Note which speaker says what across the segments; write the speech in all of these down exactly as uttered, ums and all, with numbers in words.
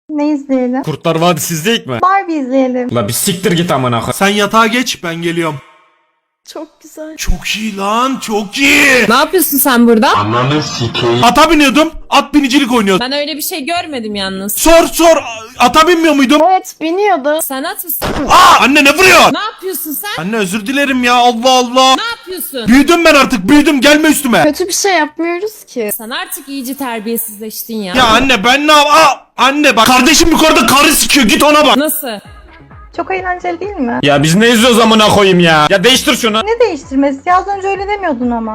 Speaker 1: Ne izleyelim?
Speaker 2: Kurtlar Vadisi izleyik mi?
Speaker 1: Barbie izleyelim.
Speaker 2: La bir siktir git amına koyayım.
Speaker 3: Sen yatağa geç, ben geliyorum.
Speaker 1: Çok güzel.
Speaker 3: Çok iyi lan, çok iyi.
Speaker 4: Ne yapıyorsun sen burada?
Speaker 3: Ata biniyordum, at binicilik oynuyordum.
Speaker 4: Ben öyle bir şey görmedim yalnız.
Speaker 3: Sor sor, ata binmiyor muydum?
Speaker 1: Evet, biniyordu.
Speaker 4: Sen at mısın?
Speaker 3: Aa, anne ne vuruyor?
Speaker 4: Ne yapıyorsun sen?
Speaker 3: Anne özür dilerim ya, Allah Allah.
Speaker 4: Ne yapıyorsun?
Speaker 3: Büyüdüm ben artık, büyüdüm, gelme üstüme.
Speaker 1: Kötü bir şey yapmıyoruz ki.
Speaker 4: Sen artık iyice terbiyesizleştin ya.
Speaker 3: Ya anne ben ne yap... Aa, anne bak kardeşim yukarıda karı sikiyor, git ona bak.
Speaker 4: Nasıl?
Speaker 1: Çok eğlenceli değil mi?
Speaker 2: Ya biz ne izliyoruz amına koyayım ya? Ya değiştir şunu.
Speaker 1: Ne değiştirmesi? Ya az önce öyle demiyordun ama.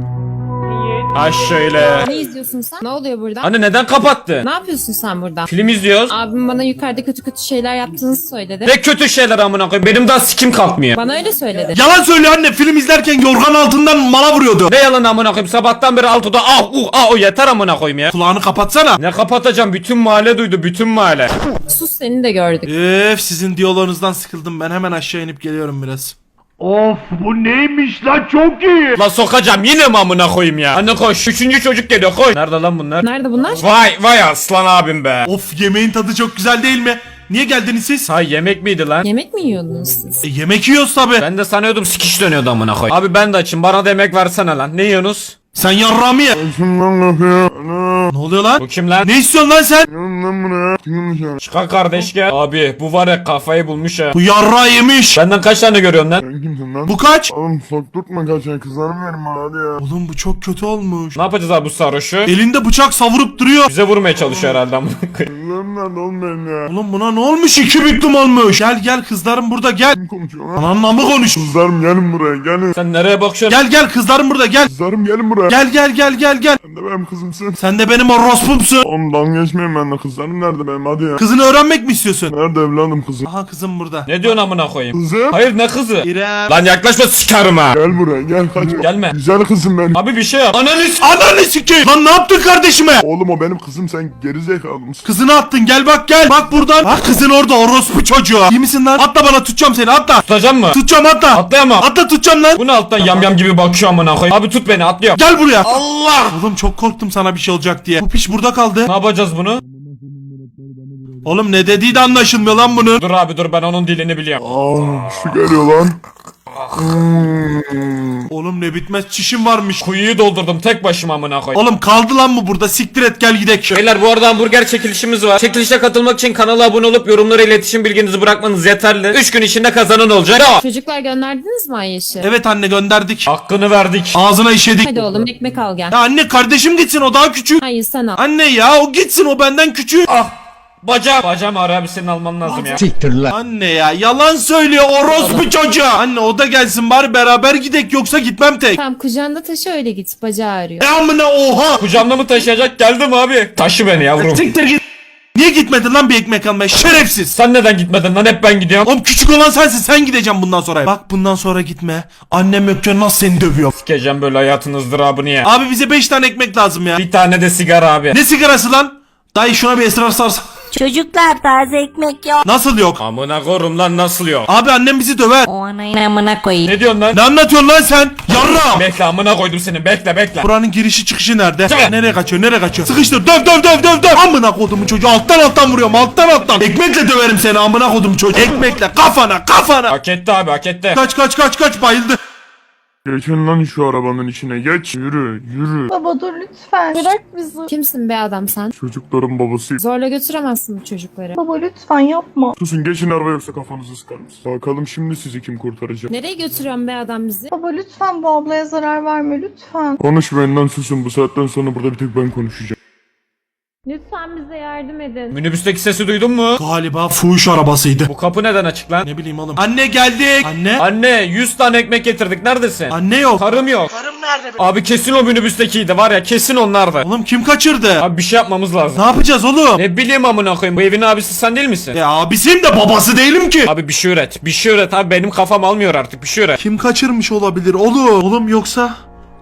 Speaker 2: Ha şöyle.
Speaker 4: Ne izliyorsun sen? Ne oluyor burada?
Speaker 2: Anne neden kapattı?
Speaker 4: Ne yapıyorsun sen burada?
Speaker 2: Film izliyoruz.
Speaker 4: Abim bana yukarıda kötü kötü şeyler yaptığınızı söyledi.
Speaker 2: Ne kötü şeyler amına koyayım. Benim daha sikim kalkmıyor.
Speaker 4: Bana öyle söyledi.
Speaker 3: Yalan söylüyor anne, film izlerken yorgan altından mala vuruyordu.
Speaker 2: Ne yalan amına koyayım. Sabahtan beri altıda ah uh ah o yeter amına koyayım ya.
Speaker 3: Kulağını kapatsana.
Speaker 2: Ne kapatacağım? Bütün mahalle duydu. Bütün mahalle.
Speaker 4: Sus, seni de gördük.
Speaker 3: Öf, sizin diyaloğunuzdan sıkıldım, ben hemen aşağı inip geliyorum biraz.
Speaker 5: Of bu neymiş lan, çok iyi.
Speaker 2: La sokacağım yine mi amına koyayım ya? Anne koş. Üçüncü çocuk geliyor koş. Nerede lan bunlar?
Speaker 4: Nerede bunlar?
Speaker 2: Vay vay aslan abim be.
Speaker 3: Of, yemeğin tadı çok güzel değil mi? Niye geldiniz siz?
Speaker 2: Ha yemek miydi lan?
Speaker 4: Yemek mi yiyordunuz siz?
Speaker 3: E, yemek yiyoruz tabi.
Speaker 2: Ben de sanıyordum sikiş dönüyordu amına koyayım. Abi ben de açım. Bana da yemek versene lan. Ne yiyorsunuz?
Speaker 3: Sen yarrağımı ye. Ne oluyor lan?
Speaker 2: Bu kim lan?
Speaker 3: Ne istiyorsun lan sen?
Speaker 2: Çıkar kardeş gel. Abi bu var ya kafayı bulmuş ha.
Speaker 3: Bu yarrağı yemiş.
Speaker 2: Benden kaç tane görüyorsun lan?
Speaker 5: Sen kimsin lan?
Speaker 3: Bu kaç?
Speaker 5: Oğlum sokturtma kaçan kızlarımı verin bana hadi ya.
Speaker 3: Oğlum bu çok kötü olmuş.
Speaker 2: Ne yapacağız abi bu sarhoşu?
Speaker 3: Elinde bıçak savurup duruyor.
Speaker 2: Bize vurmaya çalışıyor herhalde amına koyayım.
Speaker 5: Kızlarım nerede oğlum benim ya?
Speaker 3: Oğlum buna ne olmuş? İki büklüm olmuş. Gel gel, kızlarım burada, gel.
Speaker 5: Kim konuşuyor lan?
Speaker 3: Ananla mı konuş?
Speaker 5: Kızlarım gelin buraya gelin.
Speaker 2: Sen nereye bakıyorsun?
Speaker 3: Gel gel, kızlarım burada, gel.
Speaker 5: Kızlarım gelin buraya.
Speaker 3: Gel gel gel gel gel.
Speaker 5: Sen de benim kızımsın.
Speaker 3: Sen de benim orospumsun.
Speaker 5: Oğlum dalga geçmeyin benimle, kızlarım nerede benim hadi ya.
Speaker 3: Kızını öğrenmek mi istiyorsun?
Speaker 5: Nerede evladım kızım?
Speaker 3: Aha, kızım burada.
Speaker 2: Ne diyorsun amına koyayım?
Speaker 5: Kızım.
Speaker 2: Hayır ne kızı?
Speaker 3: İrem.
Speaker 2: Lan yaklaşma sikerim ha.
Speaker 5: Gel buraya gel kaçma.
Speaker 2: Gelme.
Speaker 5: Güzel kızım benim.
Speaker 2: Abi bir şey yap. Ananı s-
Speaker 3: Ananı sikeyim. Lan ne yaptın kardeşime?
Speaker 5: Oğlum o benim kızım, sen gerizekalı mısın?
Speaker 3: Kızını attın, gel bak gel. Bak buradan. Bak kızın orada, orospu çocuğu. İyi misin lan? Atla bana, tutacağım seni, atla.
Speaker 2: Tutacağım mı?
Speaker 3: Tutacağım, atla.
Speaker 2: Atlayamam.
Speaker 3: Atla, tutacağım lan.
Speaker 2: Bu ne alttan yamyam gibi bakıyor amına koyayım. Abi tut beni atlıyorum.
Speaker 3: Gel buraya. Allah. Oğlum çok korktum sana bir şey olacak diye. Bu piç burada kaldı.
Speaker 2: Ne yapacağız bunu?
Speaker 3: Oğlum ne dediği de anlaşılmıyor lan bunun.
Speaker 2: Dur abi dur ben onun dilini biliyorum.
Speaker 5: Aa şu geliyor lan. Hmm.
Speaker 3: Oğlum ne bitmez çişim varmış.
Speaker 2: Kuyuyu doldurdum tek başıma amına koyayım.
Speaker 3: Oğlum kaldı lan mı burada? Siktir et, gel gidek.
Speaker 2: Beyler bu arada hamburger çekilişimiz var. Çekilişe katılmak için kanala abone olup yorumlara iletişim bilginizi bırakmanız yeterli. üç gün içinde kazanan olacak. Bravo.
Speaker 4: Çocuklar gönderdiniz mi Ayşe?
Speaker 3: Evet anne, gönderdik.
Speaker 2: Hakkını verdik.
Speaker 3: Ağzına işedik.
Speaker 4: Hadi oğlum ekmek al gel.
Speaker 3: Ya anne, kardeşim gitsin, o daha küçük.
Speaker 4: Hayır sen al.
Speaker 3: Anne ya, o gitsin, o benden küçük.
Speaker 2: Ah. Bacağım. Bacağım ağrı abi senin alman lazım ya.
Speaker 3: Anne ya, yalan söylüyor orospu çocuğu. Anne o da gelsin bari, beraber gidek, yoksa gitmem tek.
Speaker 4: Tamam kucağında taşı öyle git, bacağı ağrıyor.
Speaker 3: E amına, oha.
Speaker 2: Kucağımda mı taşıyacak geldim abi. Taşı beni yavrum.
Speaker 3: Siktir git. Niye gitmedin lan bir ekmek almaya, şerefsiz.
Speaker 2: Sen neden gitmedin lan hep ben gidiyorum.
Speaker 3: Oğlum küçük olan sensin, sen gideceğim bundan sonra. Bak bundan sonra gitme. Annem yokken nasıl seni dövüyor.
Speaker 2: Sikeceğim böyle hayatın ızdırabını ya.
Speaker 3: Abi bize beş tane ekmek lazım ya.
Speaker 2: Bir tane de sigara abi.
Speaker 3: Ne sigarası lan? Dayı şuna bir esrar sarsa.
Speaker 6: Çocuklar taze ekmek yok.
Speaker 3: Nasıl yok?
Speaker 2: Amına korum lan nasıl yok?
Speaker 3: Abi annem bizi döver.
Speaker 6: O anayın amına koyayım.
Speaker 2: Ne diyorsun lan?
Speaker 3: Ne anlatıyorsun lan sen? Yarra.
Speaker 2: Bekle amına koydum seni bekle bekle.
Speaker 3: Buranın girişi çıkışı nerede?
Speaker 2: Çık.
Speaker 3: Nereye kaçıyor, nereye kaçıyor? Sıkıştır, döv döv döv döv döv. Amına kodumun çocuğu, alttan alttan vuruyorum, alttan alttan. Ekmekle döverim seni amına kodum çocuğu. Ekmekle kafana kafana.
Speaker 2: Hak etti abi hak etti.
Speaker 3: Kaç kaç kaç kaç, bayıldı.
Speaker 5: Geçin lan şu arabanın içine geç. Yürü yürü.
Speaker 1: Baba dur lütfen. Bırak bizi.
Speaker 4: Kimsin be adam sen?
Speaker 5: Çocukların babasıyım.
Speaker 4: Zorla götüremezsin bu çocukları.
Speaker 1: Baba lütfen yapma.
Speaker 5: Susun geçin araba yoksa kafanızı sıkarız. Bakalım şimdi sizi kim kurtaracak.
Speaker 4: Nereye götürüyorsun be adam bizi?
Speaker 1: Baba lütfen bu ablaya zarar verme lütfen.
Speaker 5: Konuşmayın lan, susun, bu saatten sonra burada bir tek ben konuşacağım.
Speaker 4: Lütfen bize yardım edin.
Speaker 2: Minibüsteki sesi duydun mu?
Speaker 3: Galiba fuhuş arabasıydı.
Speaker 2: Bu kapı neden açık lan?
Speaker 3: Ne bileyim oğlum. Anne geldik. Anne.
Speaker 2: Anne yüz tane ekmek getirdik neredesin?
Speaker 3: Anne yok.
Speaker 2: Karım yok. Karım nerede? Abi kesin o minibüstekiydi var ya kesin onlardı.
Speaker 3: Oğlum kim kaçırdı?
Speaker 2: Abi bir şey yapmamız lazım.
Speaker 3: Ne yapacağız oğlum?
Speaker 2: Ne bileyim amına koyayım bu evin abisi sen değil misin?
Speaker 3: Ya abisiyim de babası değilim ki.
Speaker 2: Abi bir şey üret. Bir şey üret abi benim kafam almıyor artık bir şey üret.
Speaker 3: Kim kaçırmış olabilir oğlum? Oğlum yoksa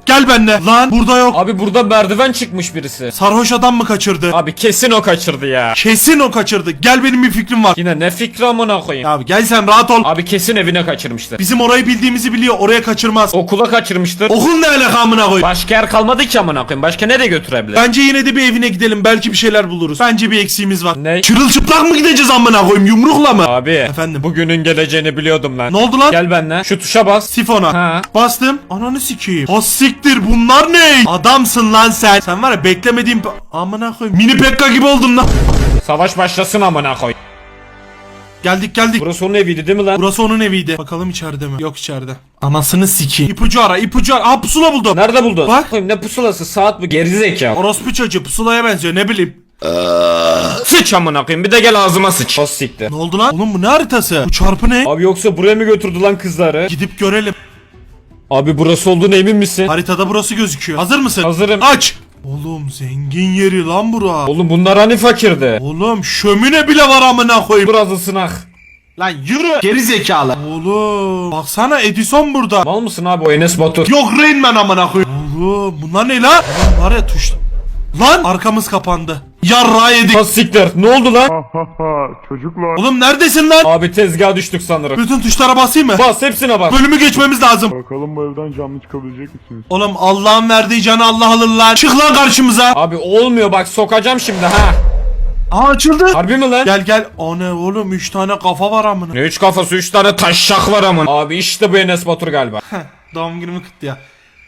Speaker 3: Gel benimle. Lan burada yok.
Speaker 2: Abi burada merdiven çıkmış birisi.
Speaker 3: Sarhoş adam mı kaçırdı?
Speaker 2: Abi kesin o kaçırdı ya.
Speaker 3: Kesin o kaçırdı. Gel benim bir fikrim var.
Speaker 2: Yine ne fikri amına koyayım.
Speaker 3: Abi gel sen rahat ol.
Speaker 2: Abi kesin evine kaçırmıştır.
Speaker 3: Bizim orayı bildiğimizi biliyor. Oraya kaçırmaz.
Speaker 2: Okula kaçırmıştır.
Speaker 3: Okul ne alaka amına koy.
Speaker 2: Başka yer kalmadı ki amına koyayım. Başka nereye götürebilir?
Speaker 3: Bence yine de bir evine gidelim. Belki bir şeyler buluruz. Bence bir eksiğimiz var.
Speaker 2: Ne?
Speaker 3: Çırılçıplak mı gideceğiz amına koyayım? Yumrukla mı?
Speaker 2: Abi.
Speaker 3: Efendim?
Speaker 2: Bugünün geleceğini biliyordum lan.
Speaker 3: Ne oldu lan?
Speaker 2: Gel benimle. Şu tuşa bas.
Speaker 3: Sifona.
Speaker 2: Ha.
Speaker 3: Bastım. Ananı sikeyim. Ha siktir bunlar ne? Adamsın lan sen. Sen var ya beklemediğim... Amına koyayım. Mini Pekka gibi oldum lan.
Speaker 2: Savaş başlasın amına koy.
Speaker 3: Geldik geldik.
Speaker 2: Burası onun eviydi değil mi lan?
Speaker 3: Burası onun eviydi. Bakalım içeride mi? Yok içeride. Anasını sikeyim. İpucu ara ipucu ara. Aa pusula buldum.
Speaker 2: Nerede buldun?
Speaker 3: Bak.
Speaker 2: Koyayım, ne pusulası, saat bu, gerizekalı.
Speaker 3: Orospu çocuğu pusulaya benziyor ne bileyim.
Speaker 2: Sıç amına koyayım, bir de gel ağzıma sıç. Bas siktir.
Speaker 3: Ne oldu lan? Oğlum bu ne haritası? Bu çarpı ne?
Speaker 2: Abi yoksa buraya mı götürdü lan kızları?
Speaker 3: Gidip görelim.
Speaker 2: Abi burası olduğuna emin misin?
Speaker 3: Haritada burası gözüküyor. Hazır mısın?
Speaker 2: Hazırım.
Speaker 3: Aç. Oğlum zengin yeri lan bura.
Speaker 2: Oğlum bunlar hani fakirdi?
Speaker 3: Oğlum şömine bile var amına koyayım.
Speaker 2: Burası sınak.
Speaker 3: Lan yürü. Geri zekalı. Oğlum. Baksana Edison burada.
Speaker 2: Mal mısın abi o Enes Batur?
Speaker 3: Yok Rain Man amına koyayım. Oğlum bunlar ne lan? Lan var ya tuş. Lan arkamız kapandı. Yarrağı yedik.
Speaker 2: Bas siktir. Ne oldu lan?
Speaker 5: Ha ha ha çocuklar.
Speaker 3: Oğlum neredesin lan?
Speaker 2: Abi tezgaha düştük sanırım.
Speaker 3: Bütün tuşlara basayım mı?
Speaker 2: Bas hepsine bas.
Speaker 3: Bölümü geçmemiz lazım.
Speaker 5: Bakalım bu evden canlı çıkabilecek misiniz?
Speaker 3: Oğlum Allah'ın verdiği canı Allah alır lan. Çık lan karşımıza.
Speaker 2: Abi olmuyor bak, sokacağım şimdi ha.
Speaker 3: Aa açıldı.
Speaker 2: Harbi mi lan?
Speaker 3: Gel gel. O ne oğlum üç tane kafa var amına.
Speaker 2: Ne üç kafası, üç tane taşşak var amın. Abi işte bu Enes Batur galiba.
Speaker 3: Doğum günümü kutlu ya.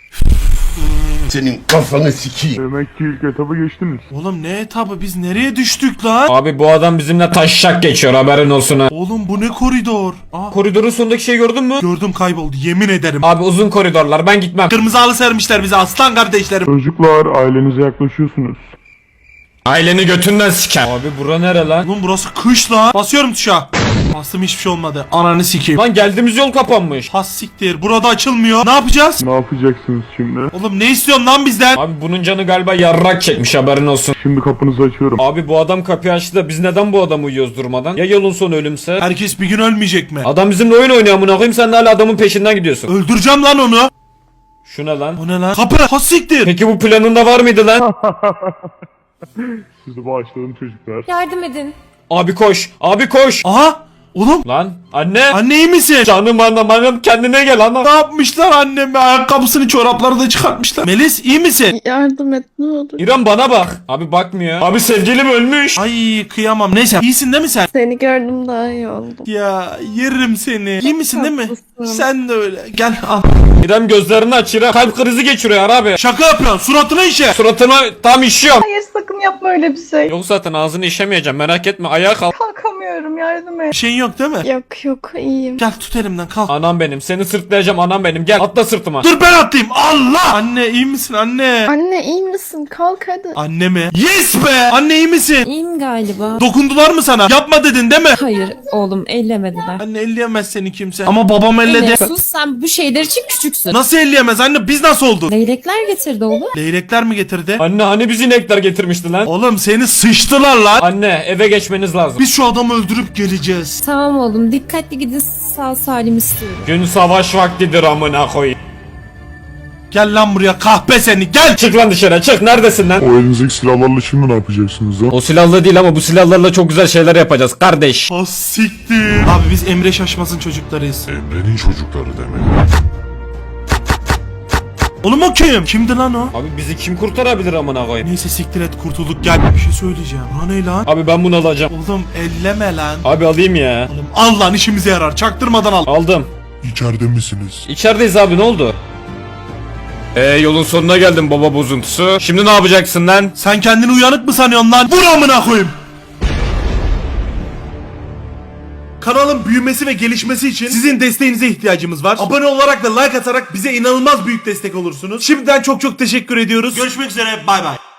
Speaker 7: Senin kafanı sikeyim.
Speaker 5: Demek ki ilk etabı geçtiniz.
Speaker 3: Oğlum ne etabı biz nereye düştük lan?
Speaker 2: Abi bu adam bizimle taşşak geçiyor, haberin olsun ha.
Speaker 3: Oğlum bu ne koridor? Aa,
Speaker 2: Koridorun sonundaki şeyi gördün mü?
Speaker 3: gördüm kayboldu yemin ederim.
Speaker 2: Abi uzun koridorlar, ben gitmem.
Speaker 3: Kırmızı halı sermişler bize aslan kardeşlerim.
Speaker 5: Çocuklar ailenize yaklaşıyorsunuz.
Speaker 2: Aileni götünden siker. Abi bura nere lan?
Speaker 3: Oğlum burası kış lan. Basıyorum tuşa. Bastım hiçbir şey olmadı. Ananı sikeyim.
Speaker 2: Lan geldiğimiz yol kapanmış.
Speaker 3: Has siktir. Burada açılmıyor. Ne yapacağız?
Speaker 5: Ne yapacaksınız şimdi?
Speaker 3: Oğlum ne istiyorsun lan bizden?
Speaker 2: Abi bunun canı galiba yarrak çekmiş, haberin olsun.
Speaker 5: Şimdi kapınızı açıyorum.
Speaker 2: Abi bu adam kapıyı açtı da biz neden bu adamı uyuyoruz durmadan? Ya yolun sonu ölümse?
Speaker 3: Herkes bir gün ölmeyecek mi?
Speaker 2: Adam bizimle oyun oynuyor amına koyayım, sen de hala adamın peşinden gidiyorsun.
Speaker 3: Öldüreceğim lan onu.
Speaker 2: Şu ne lan?
Speaker 3: O ne lan? Kapı. Has siktir.
Speaker 2: Peki bu planında var mıydı lan?
Speaker 5: Sizi bağışladım çocuklar.
Speaker 4: Yardım edin.
Speaker 2: Abi koş. Abi koş.
Speaker 3: Aha. Oğlum.
Speaker 2: Lan anne.
Speaker 3: Anne iyi misin?
Speaker 2: Canım anam anam, kendine gel anam.
Speaker 3: Ne yapmışlar anneme? Ayakkabısını çorapları da çıkartmışlar. Melis iyi misin?
Speaker 1: Yardım et ne olur.
Speaker 2: İrem bana bak. Abi bakmıyor. Abi sevgilim ölmüş.
Speaker 3: Ay kıyamam. Neyse iyisin değil mi sen?
Speaker 1: Seni gördüm daha iyi oldum.
Speaker 3: Ya yerim seni. İyi misin değil mi?
Speaker 1: Haklısın.
Speaker 3: Sen de öyle. Gel al.
Speaker 2: İrem gözlerini aç İrem. Kalp krizi geçiriyor abi.
Speaker 3: Şaka yapıyorsun. Suratına işe.
Speaker 2: Suratına tam işiyorum.
Speaker 1: Hayır sakın yapma öyle bir şey.
Speaker 2: Yok zaten ağzını işemeyeceğim, merak etme, ayağa kalk.
Speaker 1: Kalkamıyorum yardım et.
Speaker 3: Bir şeyin yok değil mi?
Speaker 1: Yok yok iyiyim.
Speaker 3: Gel tut elimden kalk.
Speaker 2: Anam benim, seni sırtlayacağım anam benim, gel atla sırtıma.
Speaker 3: Dur ben atlayayım. Allah. Anne iyi misin anne?
Speaker 1: Anne iyi misin? Kalk hadi.
Speaker 3: Anne mi? Yes be. Anne iyi misin?
Speaker 4: İyiyim galiba.
Speaker 3: Dokundular mı sana? Yapma dedin değil mi?
Speaker 4: Hayır oğlum, ellemediler.
Speaker 3: Anne elleyemez seni kimse. Ama babam elledi.
Speaker 4: Ene, sus, sen bu şeyler için küçüksün.
Speaker 3: Nasıl elleyemez anne? Biz nasıl olduk?
Speaker 4: Leylekler getirdi oğlum.
Speaker 3: Leylekler mi getirdi?
Speaker 2: Anne hani bizi inekler getirmişti lan.
Speaker 3: Oğlum seni sıçtılar lan.
Speaker 2: Anne eve geçmeniz lazım.
Speaker 3: Biz şu adamı öldürüp geleceğiz.
Speaker 4: Tamam oğlum, dikkatli gidin, sağ salim istiyorum.
Speaker 2: Gün savaş vaktidir amına koyayım.
Speaker 3: Gel lan buraya kahpe seni gel.
Speaker 2: Çık lan dışarı, çık, neredesin lan?
Speaker 5: O elinizdeki silahlarla şimdi ne yapacaksınız lan?
Speaker 2: O silahla değil ama bu silahlarla çok güzel şeyler yapacağız kardeş.
Speaker 3: Ha siktir. Abi biz Emre Şaşmaz'ın çocuklarıyız.
Speaker 5: Emre'nin çocukları demek.
Speaker 3: Oğlum o kim? Kimdi lan o?
Speaker 2: Abi bizi kim kurtarabilir amına koyayım?
Speaker 3: Neyse siktir et kurtulduk gel. Bir şey söyleyeceğim. Ha ne lan?
Speaker 2: Abi ben bunu alacağım.
Speaker 3: Oğlum elleme lan.
Speaker 2: Abi alayım ya.
Speaker 3: Oğlum al lan işimize yarar. Çaktırmadan al.
Speaker 2: Aldım.
Speaker 5: İçeride misiniz?
Speaker 2: İçerideyiz abi, ne oldu? Eee yolun sonuna geldim baba bozuntusu. Şimdi ne yapacaksın lan?
Speaker 3: Sen kendini uyanık mı sanıyorsun lan? Vur amına koyayım. Kanalın büyümesi ve gelişmesi için sizin desteğinize ihtiyacımız var. Abone olarak ve like atarak bize inanılmaz büyük destek olursunuz. Şimdiden çok çok teşekkür ediyoruz. Görüşmek üzere. Bay bay.